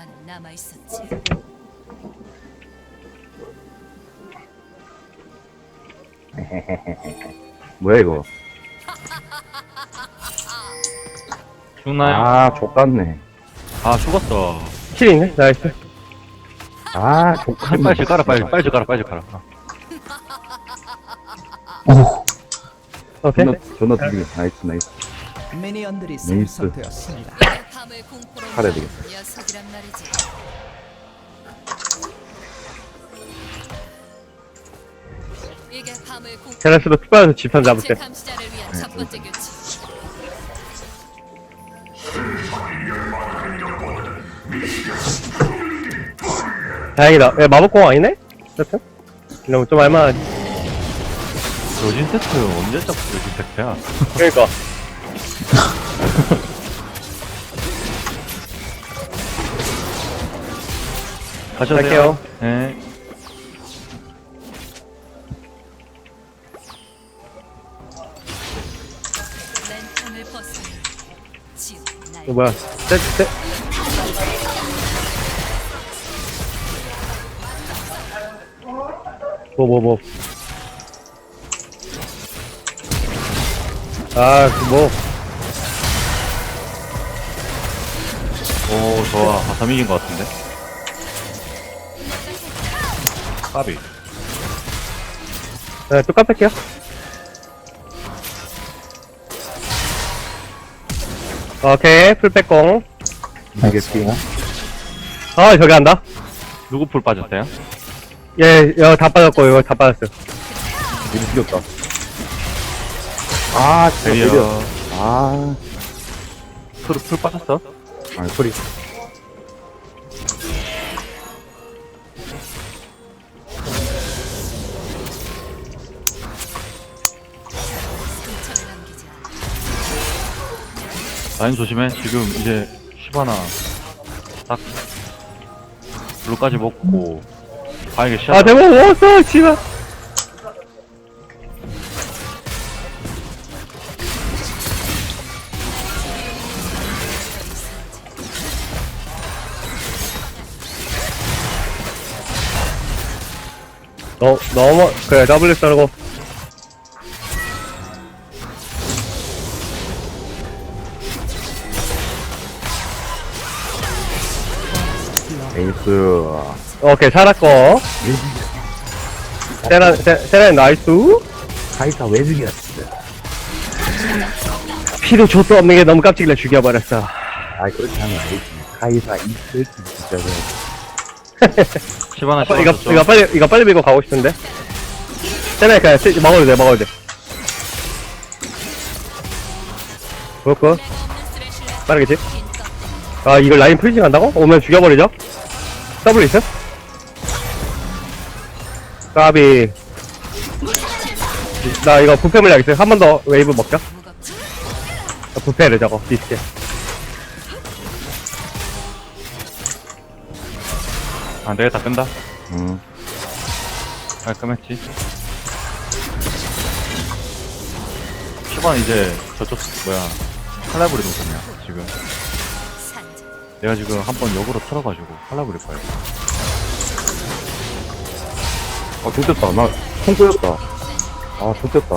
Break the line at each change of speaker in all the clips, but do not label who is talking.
하나만 남아 있었지.
뭐야 이거?
죽나요?
아 족같네.
아 죽었어.
킬 있네? 나이스.
아 족같네.
빨리 깔아 빨리 깔아.
오케이.
존나 들리게. 나이스.
미니언들이
네이스.
생성되었습니다.
이게 밤을 공포로
팔아야
만든
되겠다.
녀석이란 말이지. 이게 밤을 공포.
제라스도 피 집산 잡을게.
감시자를 위한 첫 번째 규칙.
다행이다. 야, 마법공 아니네? 세트? 이러면 좀 알만하지.
로진 세트 언제 잡고 로진 세트야?
그러니까.
가셔도
갈게요.
돼요. 네.
랜턴을 벗어. 지옥 날.
이거 뭐야. 세트. 뭐. 아,
오 좋아. 아, 3 이긴 것 같은데. 까비.
네, 또 깜빡해요. 오케이, 풀백공.
알겠습니다.
아, 저기 한다.
누구 풀 빠졌어요?
예, 이거 다 빠졌고, 이거 다 빠졌어요.
이거 죽였다. 아 진짜
드디어.
때려. 아
풀 빠졌어?
아니 소리.
상처를 남기자.
라인 조심해. 지금 이제 슈바나 딱 블루까지 먹고 바에게 시작.
아, 대박, 먹었어, 씨발. 그래, W 썰고.
에이스.
오케이, 살았고. 세란 나이스.
카이사 왜 죽였어?
피도 족도 없는 게 너무 깜찍이라 죽여버렸어.
아 그렇게 하면 안 되지. 카이사 이 새끼 진짜.
슈바나
이거 빨리 밀고 가고 싶은데. 세란 그냥 먹어도 돼. 그렇고.
내가 없는 스레쉬를
빠르겠지?
긴
아, 이걸 라인 프리징 한다고? 오면 죽여버리죠? 더블 있어? 까비. 나 이거 부패 물약 있어요. 한 번 더 웨이브 먹자.
무겁지.
부패를 저거, 디스게.
안 되겠다. 끈다.
음.
깔끔했지. 슈바나 이제 저쪽 뭐야 칼라브리 노선이야 지금.
산자.
내가 지금 한번 역으로 털어가지고 칼라브리 거야.
아 좋겠다. 나총 꼬였다. 아 좋겠다.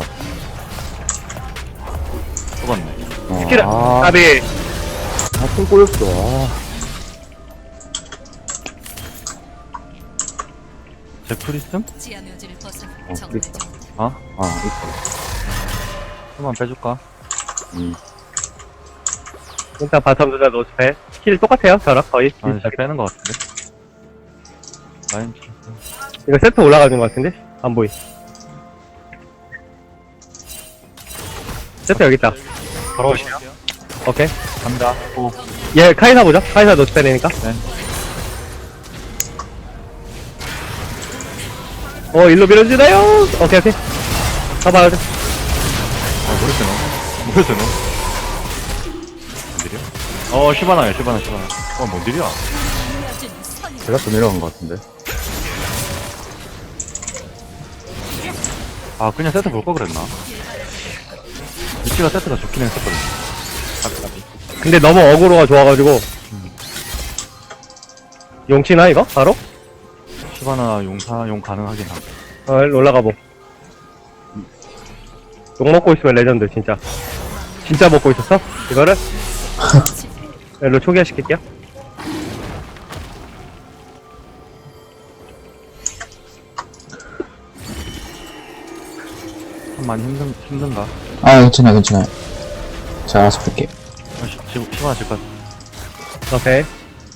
쏘갔네.
스킬, 까비.
아총 꼬였어. 아.
제 프리슴?
지하 묘지를 벗어.
어,
정말
그랬다.
좋다.
어?
아 있어.
한번 빼줄까?
일단 바텀 두자 노스패. 킬 똑같아요, 저랑 거의.
아 이제 빼는 것 같은데. 라인
이거 세트 올라가는 것 같은데? 안 보이. 세트 여기 있다.
바로 오시요.
오케이.
간다. 오.
얘 카이사 보자. 카이사 노스패니까.
네.
일로 밀어주나요? 오케이. 가봐요.
아 모르겠어 너. 뭔 일이야? 슈바나야 슈바나. 뭔 일이야?
여전히 선.
제가 또 내려간 것 같은데.
아 그냥 세트 볼 거 그랬나? 위치가 세트가 좋긴 했었거든.
근데 너무 어그로가 좋아가지고. 용치나, 이거? 바로?
시바나 용 가능하긴 함.
일로 올라가보. 욕 먹고 있으면 레전드, 진짜. 진짜 먹고 있었어? 이거를? 일로 초기화시킬게요.
참 많이 힘든가?
아, 괜찮아요. 제가 알아서 볼게요.
시바나 질것 같아.
오케이.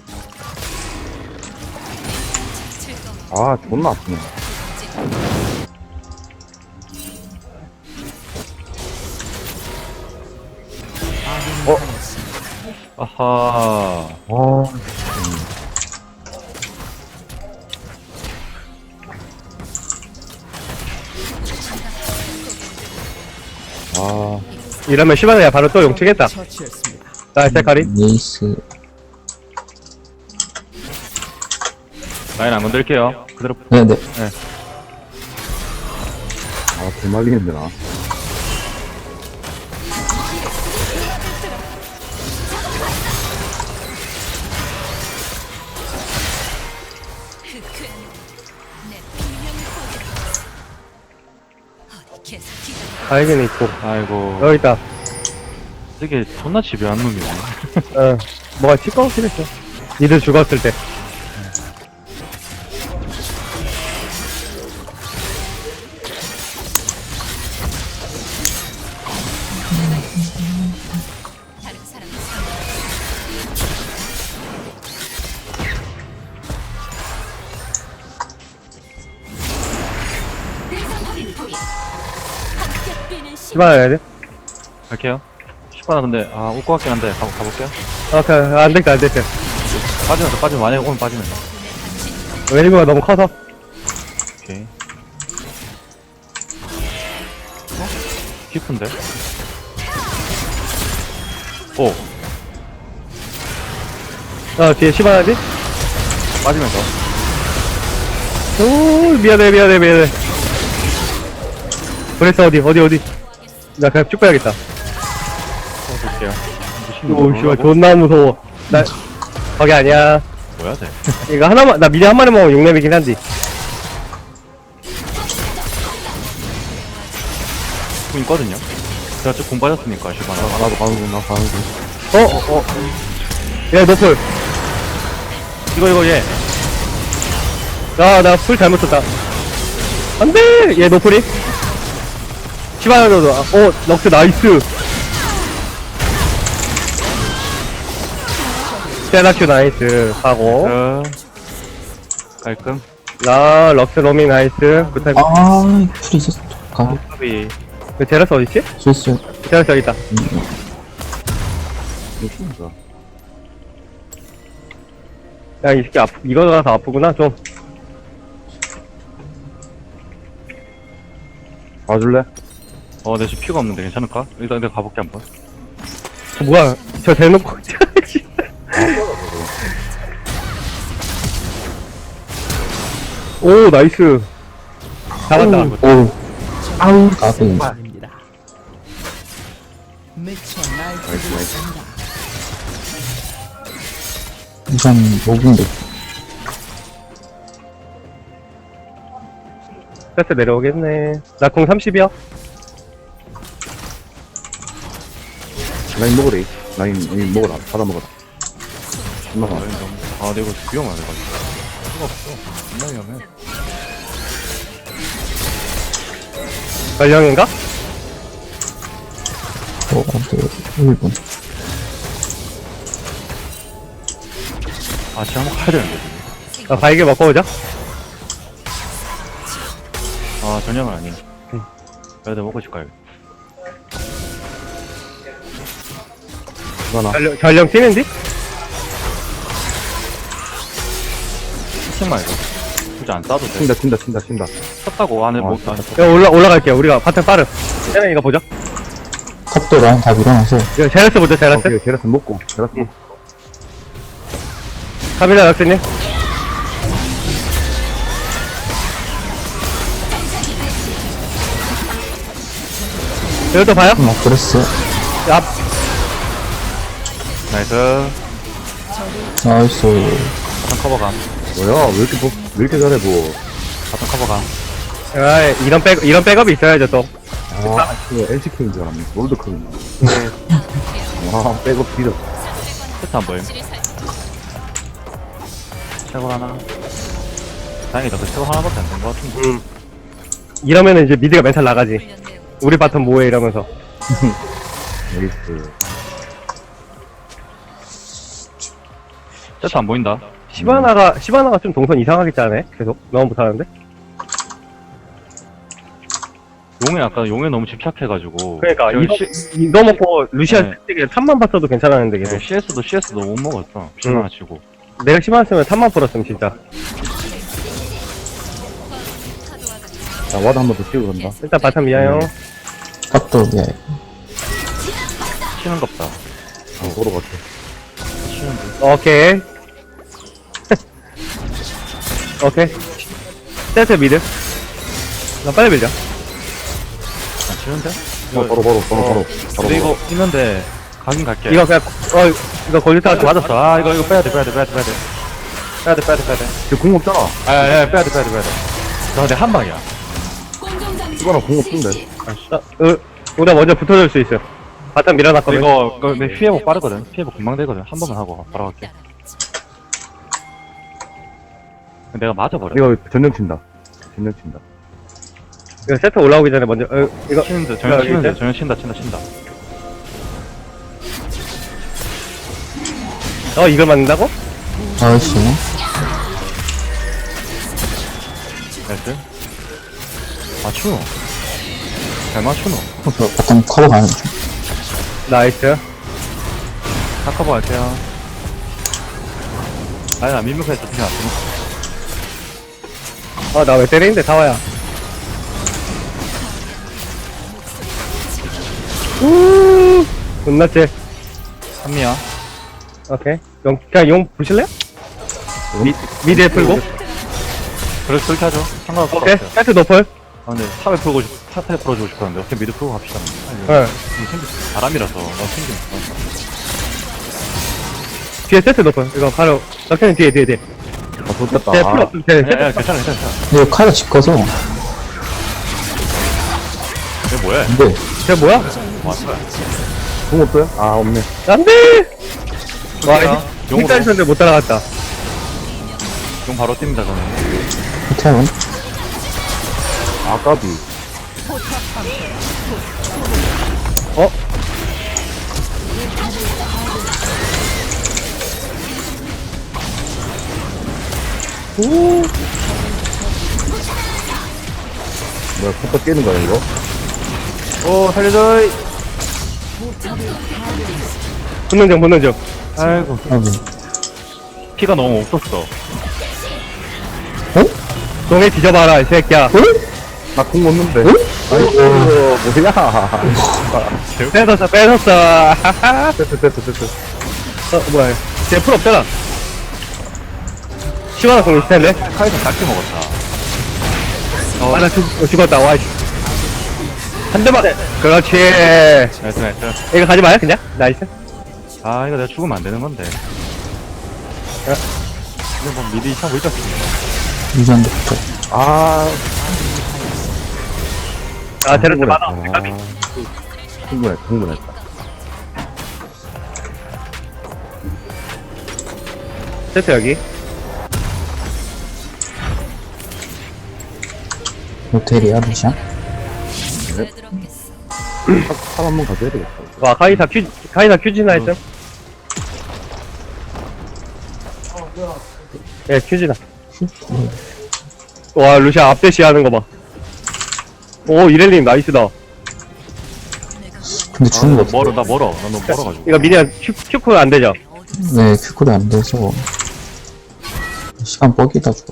아, 존나 아프네.
아하.
이러면 시바나야 바로 또 용치겠다.
처치했습니다.
나이스, 카리.
네이스.
라인 안 건들게요. 그대로.
네네.
아, 개말리는데, 나.
그 내 분명히 보여줘. 어디 계속 기다려.
다이긴 있고.
아이고.
여기 있다.
되게 존나 집요한 놈이네.
뭐가 치꺼우긴 했어. 니들 죽었을 때.
다른 사람을 상대. 함께 뛰는 시.
시바나 해야 돼?
갈게요. 시바나 근데 올 것 같긴 한데 가볼게요.
오케이. 안 됐다, 안 됐다.
빠지면 만약에 오면 빠지면.
웨이브가 너무 커서.
오케이. 깊은데? 오,
뒤에 시바나지?
빠지면서.
오, 미안해. 그랬어, 어디. 나 그냥 쭉 빼야겠다.
볼게요.
오, 씨발, 존나 무서워. 거기 아니야.
뭐야, 쟤?
이거 하나만, 나 미리 한 마리 먹으면 6렙이긴 한데.
공 있거든요? 제가 좀공 빠졌으니까, 시바나.
나도 가는군.
얘, 노플.
이거, 얘.
나 풀 잘못 썼다. 안 돼! 얘 노플이. 시바나도, 럭스 나이스. 세나큐 나이스. 하고.
깔끔.
럭스 로밍 나이스. 굿타임.
아, 풀이 있었어. 가.
탑이.
그 제라스 어딨지?
실수.
제라스 여기 있다.
이거 죽는다.
야, 이 새끼 이거 가서 아프구나, 좀.
봐줄래?
내 지금 피가 없는데 괜찮을까? 일단 내가 가볼게, 한번.
뭐야, 저 대놓고. 오, 나이스. 잡았다.
오. 아우. 까비.
입니다. 미쳐 날뛰고 있습니다.
우선 5분도.
세트 내려오겠네. 나 공 30이야.
라인 먹으래. 라인 먹어라. 받아 먹어라. 엄마가.
근데 이거 위험하네, 가지고. 수가 없어. 존나 위험해.
전령인가?
네, 1분.
지금 한번 가야 되는데, 지금.
바이게 먹고 오자.
전형은 아니야. 그래도 먹고 싶어요.
하나.
전령 뛰는디?
스팀 말고. 굳이 안 싸도 돼.
친다.
쳤다고 안에 뭐,
야, 올라갈게요. 우리가 바탕 빠르. 쟤네 이거 보자.
탑도 라인 다 밀어놔서.
이거 제라스 보자, 제라스.
오케이, 제라스 먹고.
카밀라 락스님. 이것도 봐요?
그랬어.
앞.
나이스.
적을
나이스.
바텀 커버감.
뭐야, 왜 이렇게 잘해, 뭐.
바텀 커버감.
아, 이런 백업이 있어야죠, 또.
아, 그 LCK인 줄 알았네. 롤드컵인 줄 알았네. 와, 백업 뒤졌어.
세트 안 보임. 최고 하나. 다행이다. 그 최고 하나밖에 안 된 것 같은데.
이러면은 이제 미드가 멘탈 나가지. 우리 바텀 뭐해, 이러면서.
나이스.
세트 안 보인다.
시바나가 좀 동선 이상하게 짜네? 계속. 너무 못하는데?
용에 너무 집착해가지고.
그러니까,
지금
이거 먹고 루시아
네.
되게 탑만 봤어도 괜찮았는데, 계속.
CS도 못 먹었어. 시바나 치고.
내가 시바나였으면 탑만 풀었으면, 진짜.
자, 와드 한 번 더 치고 간다.
일단 바텀 미아요.
탑도 예.
치는 겁다.
아, 도로 같아.
치는데.
오케이. 오케이. 세트 미드. 나 빨리 밀자.
아, 치는데?
바로.
근데 이거 있는데, 가긴 갈게.
이거 그냥, 이거 걸리다가 좀
맞았어. 아, 이거 빼야돼.
지금 공 없잖아.
빼야돼. 저 근데 한 방이야.
이거랑 공 없던데.
우리가 먼저 붙어줄 수 있어. 바텀 밀어놨거든.
이거 내 피해복 빠르거든. 피해복 금방 되거든. 한 번만 하고 바로 갈게. 내가 맞아버려.
이거 전령 친다.
이거 세트 올라오기 전에 먼저, 이거,
치는데, 전혀
여기
치는데,
있대?
전혀 친다.
이걸 맞는다고?
나이스.
나이스. 맞추노. 잘 맞추노.
바텀 커버 가는 중.
나이스.
다 커버할게요. 아니, 나 민폐에서 그냥 안 쓰노.
나 왜 때리는데, 다와야. 끝났지?
한미야.
오케이. 그냥 용 부실래요? 미드에 풀고.
그렇게 하죠. 상관없어.
오케이. 세트 노플.
아, 근데 탑에 풀어주고 싶었는데, 어떻게 미드 풀고 갑시다.
응.
바람이라서, 생기면.
뒤에 세트 노플. 이거 바로, 럭키는 뒤에.
아, 좋겠다.
쟤 풀 없을 때.
야, 괜찮아.
이거 카이가 집 커서.
이게 뭐야?
근데,
쟤 뭐야?
공 없어요? 아, 없네.
안 돼! 와,
용으로.
힐짤 있었는데 못 따라갔다.
용 바로 뜁니다, 저는.
호텔은?
아, 까비.
어? 오,
뭐야, 컵도 깨는 거야, 이거?
오, 살려줘!
붙는 중.
아이고.
아이고.
피가 너무 없었어.
동해 뒤져봐라, 이 새끼야.
나 공 없는데. 아이고, 뭐야.
뺏었어. 하하.
됐어.
뭐야. 쟤 풀 없잖아. 시원한 공 있을 텐데.
카이사 작게 먹었다.
나 죽었다, 와, 씨. 한 대만. 그렇지.
나이스.
이거 가지 마요, 그냥. 나이스.
아, 이거 내가 죽으면 안 되는 건데. 이거 뭐 미드 이상 보이지 않습니까?
유전부터.
아,
테라스 많아.
흥분했다.
세트 여기.
호텔이야, 루시안?
탑 한번 가져야 되겠다.
와, 카이사 큐지나 했음? 예, 큐지나. 와, 루시아 앞대시 하는 거 봐. 오, 이렐님 나이스다.
근데 주는 거 없어.
나 멀어. 나 너무 멀어가지고.
이거 미니언 큐프 안 되죠?
네, 큐콜이 안 돼서. 시간 뻑이다 죽어.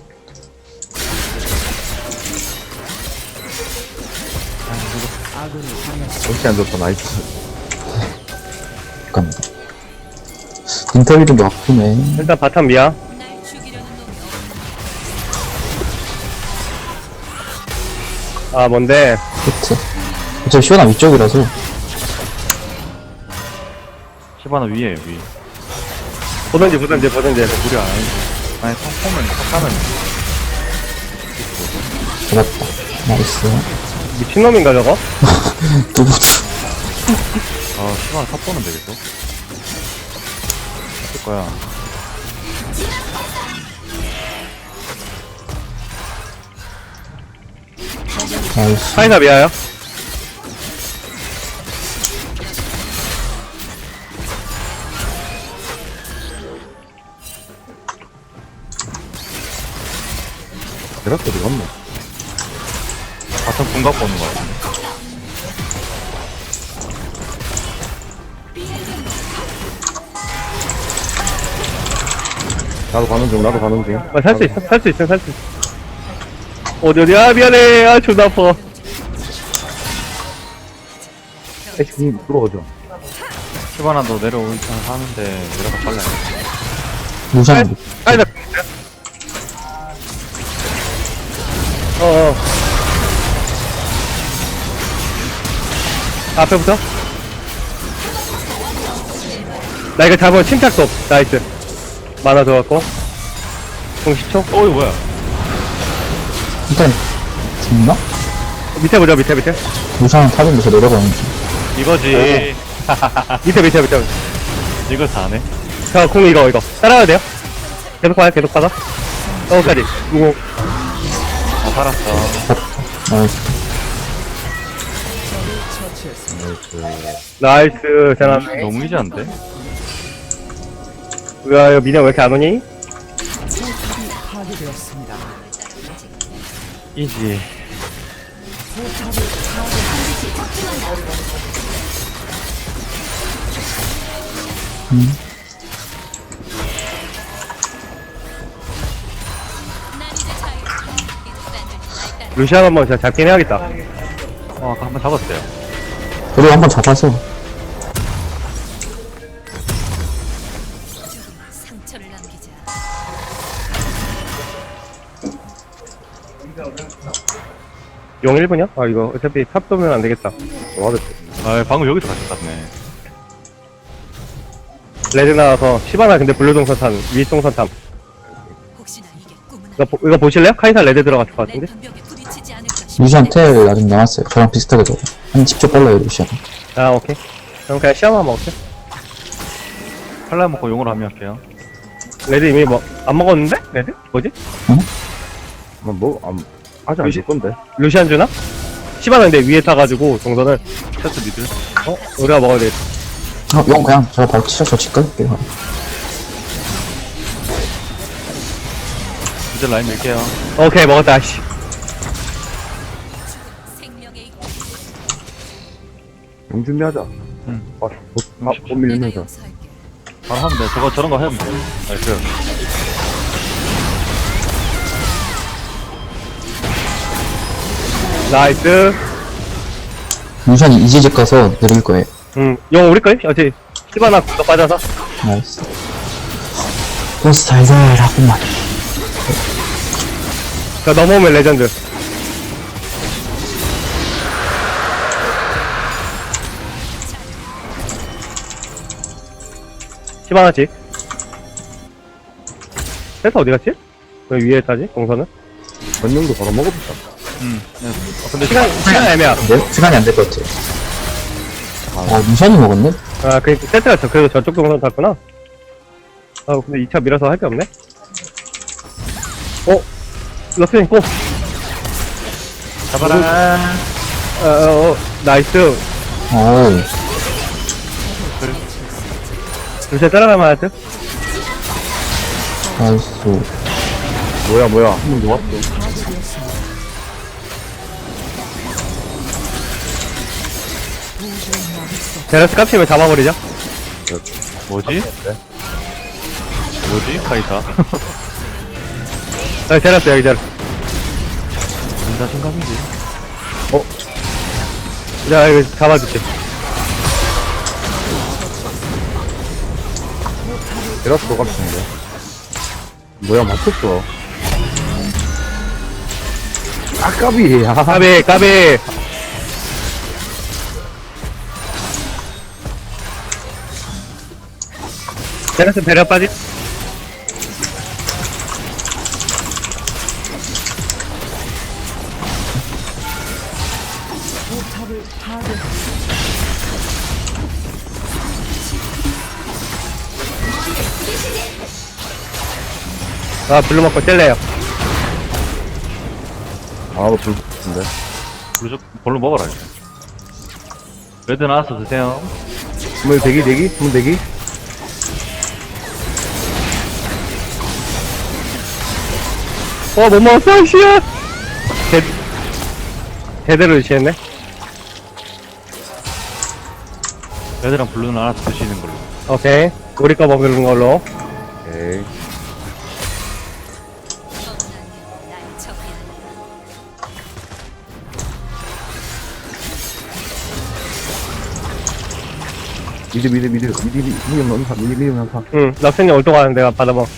역시 안 좋다, 나이스.
잠깐만. 인터뷰도 아프네.
일단 바텀 미야.
날 죽이려는 놈이
아, 뭔데?
호텔. 어차피 시원한 위쪽이라서.
시바나 위에요, 위.
보던지.
무리 안 해. 아니, 컴포는 컴하면
잡았다. 나이스.
미친놈인가, 저거?
뚜부뚜.
시간을 탑보면 되겠어? 어쩔 거야.
나이스.
카이사 미아요?
대략 어디 갔노?
바텀 궁각 보는 거 같은데.
나도 가는 중, 나도 가는 중.
살 수 있어. 어디야? 미안해. 아, 존나 아파.
애쉬 들어오죠.
시바나도 내려올 줄 하는데, 내려가 빨라.
루시안.
카이사. 앞에부터? 나 이거 잡으면 침착도. 나이스. 만화 들어갔고. 공 10초?
어이, 뭐야.
일단, 죽나?
밑에 보자, 밑에.
루시안 타면서 내려가는 중.
이거지.
밑에.
이거 다 하네.
자, 공 이거. 따라가야 돼요? 계속 받아. 까지 무공.
살았어.
나이스.
나이스, 잘하네.
너무 이지한데?
야, 이거 미녀 왜 이렇게 안 오니?
포탑이 파괴되었습니다.
이지.
난 이제 자유. 인간들 날
루시안 한번 진짜 잡긴 해야겠다.
아까 한번 잡았어요.
그리고 한번 잡아서.
상처를 남기자.
용 1분이야? 아, 이거 어차피 탑 도면 안 되겠다.
와드.
방금 여기서 같이 땄네.
레드 나와서 시바나 근데 블루 동선탐, 위 동선탐.
혹시나 이게 꿈은
이거 보실래요? 카이사 레드 들어갔을 것
내
같은데?
방벽에 부딪히지 않을까
루시안 텔 아직 남았어요. 저랑 비슷하게 돼요. 한 10초 빨라요, 루시안.
아, 오케이. 그럼 그냥 시야만 먹을게.
칼날 먹고 용으로 합류할게요.
레드 이미 안 먹었는데? 레드? 뭐지?
아직 안 줄 건데.
루시안 주나? 시바나 근데 위에 타가지고 동선을,
세트 미들.
우리가 먹어야 되겠다.
용 그냥 제가 바로 치셔서 집 갈게요.
이제 라인 밀게요.
오케이, 먹었다, 씨.
생명의
용 준비하자.
응.
못
내가
밀면서.
용서할게.
바로 하면 돼. 저런 거 하면 돼. 나이스.
나이스.
루시안이 이제 집 가서 내릴 거예요.
용 우리 거임? 어차피 시바나 구도 빠져서.
나이스. 보스 달달하구만.
자, 넘어오면 레전드. 시바나치. 세트 어디 갔지? 왜 위에 타지? 동선은?
전용도 바로 먹어보자.
근데
시간 애매야.
네? 시간이 안 될 것 같아요. 루시안이 먹었네?
아, 세트가 그래도 저쪽 동선 탔구나. 아, 근데 2차 밀어서 할 게 없네? 럭스님 고!
잡아라.
나이스.
어우,
루시아 따라가면 할 듯?
나이스.
뭐야. 한 명 놓았어.
제라스 깝치면 잡아버리죠?
뭐지? 뭐지? 카이사.
제라스 여기 제라스.
무슨 자신감이지?
자, 이거 잡아줄게.
데라스 녹았는데. 뭐야, 맞췄어. 까비.
까비. 제라스 배려 빠지.
포탑을 파괴했습니다.
아, 블루 먹고 뗄래요.
아, 불 붙은데.
볼로 먹어라 이제. 레드 나와서 드세요.
주문 대기? 주문 대기?
못 먹었어, 씨야! 제대로 유치했네.
레드랑 블루는 알아서 드시는 걸로.
오케이. 우리 거 먹는 걸로.
오케이.
날 적이야.
미디엄 연사, 미디엄 연사.
응, 럭스님 올 동안 내가 받아먹.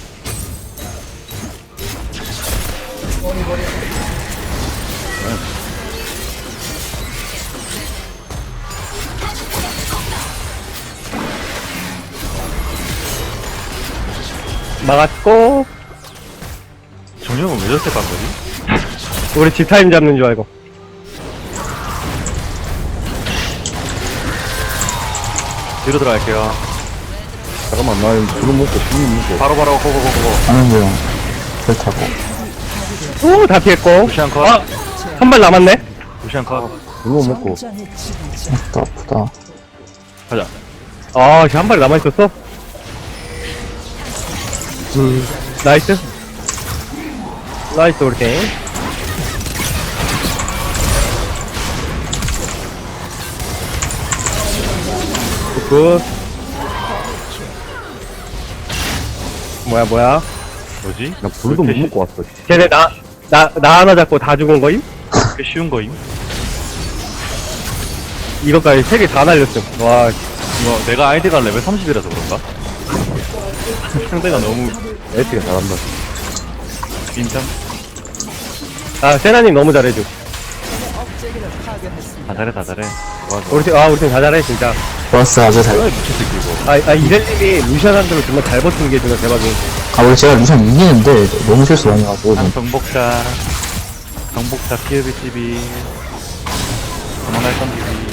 막았고,
정령은 왜 저렇게 간 거지?
우리 집타임 잡는 줄 알고.
뒤로 들어갈게요.
잠깐만, 나 주문 먹고.
바로바로 고고고고.
하는 중. 별 타고.
오, 다 피했고.
루시안 컷.
아, 한 발 남았네?
루시안 컷.
주문 먹고.
전장의 지배자.
아프다.
가자.
아, 한 발 남아있었어? 나이스. 나이스, 우리 팀. 굿. 뭐야.
뭐지?
나 불도 못 먹고 왔어.
쟤네 나 하나 잡고 다 죽은 거임?
꽤 쉬운 거임?
이것까지 3개 다 날렸음. 와,
이거 내가 아이디가 레벨 30이라서 그런가? 상대가 너무
에이스가 잘한다.
인정?
아, 세나님 너무 잘해줘.
억제기를 파괴했습니다.
다 잘해. 좋아.
우리 팀 다 잘해, 진짜.
플러스 아주 잘.
미쳤을 끼고.
이셀님이 루시안한테로 정말 잘 버티는 게 정말 대박이에요.
원래 제가 루션 이기는데 너무 실수 많이 해가지고.
정복자 PLBTV 도망갈 던지기.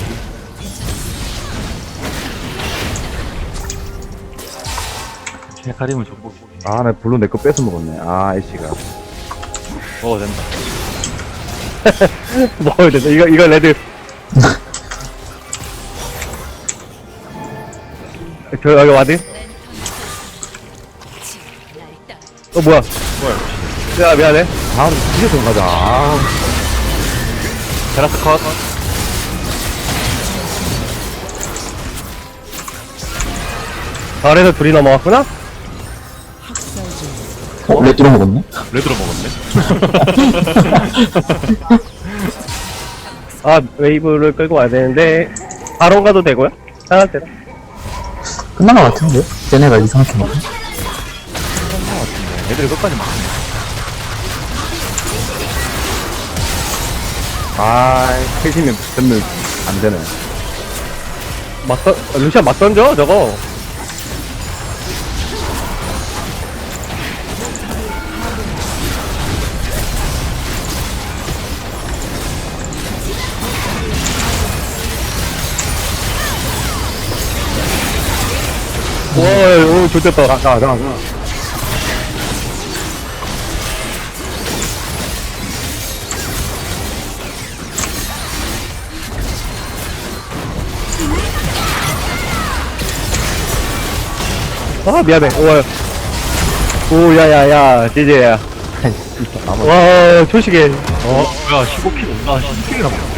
헤카림을 정복.
아, 나 블루 내 거 뺏어 먹었네. 아, 애쉬가.
먹어도 된다.
먹어야 된다. 이거 레드. 여기 와드?
날 따라.
뭐야. 야, 미안해.
아, 이제 좀 가자. 아,
테라스 컷.
아래에서 둘이 넘어왔구나?
학살 중.
레드로 먹었네?
레드로 먹었네.
아, 웨이브를 끌고 와야 되는데, 바론 가도 되고요? 편할 때다.
끝난 것 같은데? 쟤네가 이상하게 먹네.
애들이 끝까지 막.
아, 패시면 전면 안 되네.
루시안 막 던져, 저거. 오, 좋겠다. 가. 아, 미안해. 오, 야야야, 지지야. 와, 초식에.
뭐야 15킬 온다. 10킬이나 먹었어.